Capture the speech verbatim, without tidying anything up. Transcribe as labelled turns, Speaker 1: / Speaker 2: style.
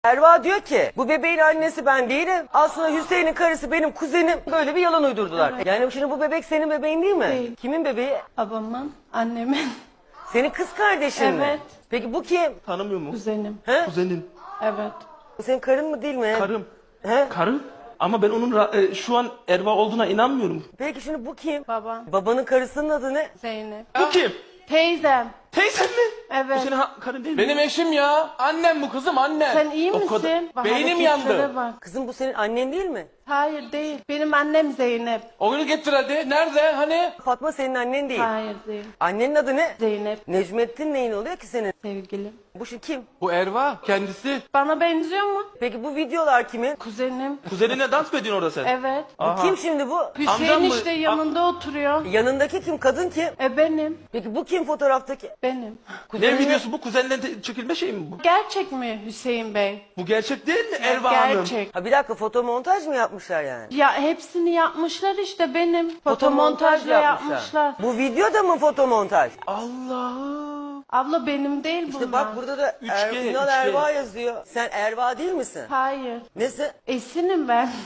Speaker 1: Erva diyor ki bu bebeğin annesi ben değilim. Aslında Hüseyin'in karısı benim kuzenim. Böyle bir yalan uydurdular.
Speaker 2: Evet.
Speaker 1: Yani şimdi bu bebek senin bebeğin değil mi?
Speaker 2: Değil.
Speaker 1: Kimin bebeği?
Speaker 2: Babamın, annemin,
Speaker 1: Senin kız kardeşin mi?
Speaker 2: Evet.
Speaker 1: Peki bu kim?
Speaker 3: Tanımıyor mu?
Speaker 2: kuzenim.
Speaker 1: He?
Speaker 3: Kuzenin.
Speaker 2: Evet.
Speaker 1: Bu senin karın mı değil mi?
Speaker 3: Karım.
Speaker 1: He?
Speaker 3: Karım. Ama ben onun ra- e, şu an Erva olduğuna inanmıyorum.
Speaker 1: Peki şimdi bu kim?
Speaker 2: Babam,
Speaker 1: Babanın karısının adı ne?
Speaker 2: Zeynep.
Speaker 3: Bu kim?
Speaker 2: Teyzem.
Speaker 3: Teyzen mi?
Speaker 2: Evet.
Speaker 3: Bu senin ha- karın değil mi?
Speaker 4: Benim eşim ya. Annem bu kızım annem.
Speaker 2: Sen iyi
Speaker 3: O
Speaker 2: misin?
Speaker 3: kadar-
Speaker 2: Bak,
Speaker 4: Beynim
Speaker 2: hareketlere
Speaker 4: yandı.
Speaker 2: Bak.
Speaker 1: Kızım bu senin annen değil mi?
Speaker 2: Hayır değil. Benim annem Zeynep.
Speaker 4: Oyunu getir hadi. Nerede? Hani?
Speaker 1: Fatma senin annen değil.
Speaker 2: Hayır değil.
Speaker 1: Annenin adı ne?
Speaker 2: Zeynep.
Speaker 1: Necmettin neyin oluyor ki senin?
Speaker 2: Sevgilim.
Speaker 1: Bu şimdi kim?
Speaker 4: Bu Erva kendisi.
Speaker 2: Bana benziyor mu?
Speaker 1: Peki bu videolar kimin?
Speaker 2: Kuzenim.
Speaker 3: Kuzenine dans mı ediyorsun orada sen?
Speaker 2: Evet.
Speaker 1: Bu kim şimdi bu?
Speaker 2: Hüseyin
Speaker 3: Amcam mı?
Speaker 2: işte yanında oturuyor.
Speaker 1: Yanındaki kim? Kadın kim?
Speaker 2: E benim.
Speaker 1: Peki bu kim fotoğraftaki?
Speaker 2: Benim.
Speaker 3: Ne videosu bu? Kuzenle te- çekilme şey mi bu?
Speaker 2: Gerçek mi Hüseyin Bey?
Speaker 3: Bu gerçek değil mi Erva Hanım?
Speaker 2: Gerçek.
Speaker 1: Ha bir dakika fotomontaj mı yapmışlar yani?
Speaker 2: Ya hepsini yapmışlar işte benim. Fotomontajla yapmışlar.
Speaker 1: Bu video da mı fotomontaj?
Speaker 3: Allah'ım.
Speaker 2: Abla benim değil bunlar.
Speaker 1: İşte bak burada da
Speaker 3: üç
Speaker 1: er,
Speaker 3: G,
Speaker 1: Ünal
Speaker 3: üç G.
Speaker 1: Erva yazıyor. Sen Erva değil misin?
Speaker 2: Hayır.
Speaker 1: Nesi?
Speaker 2: Esinim ben.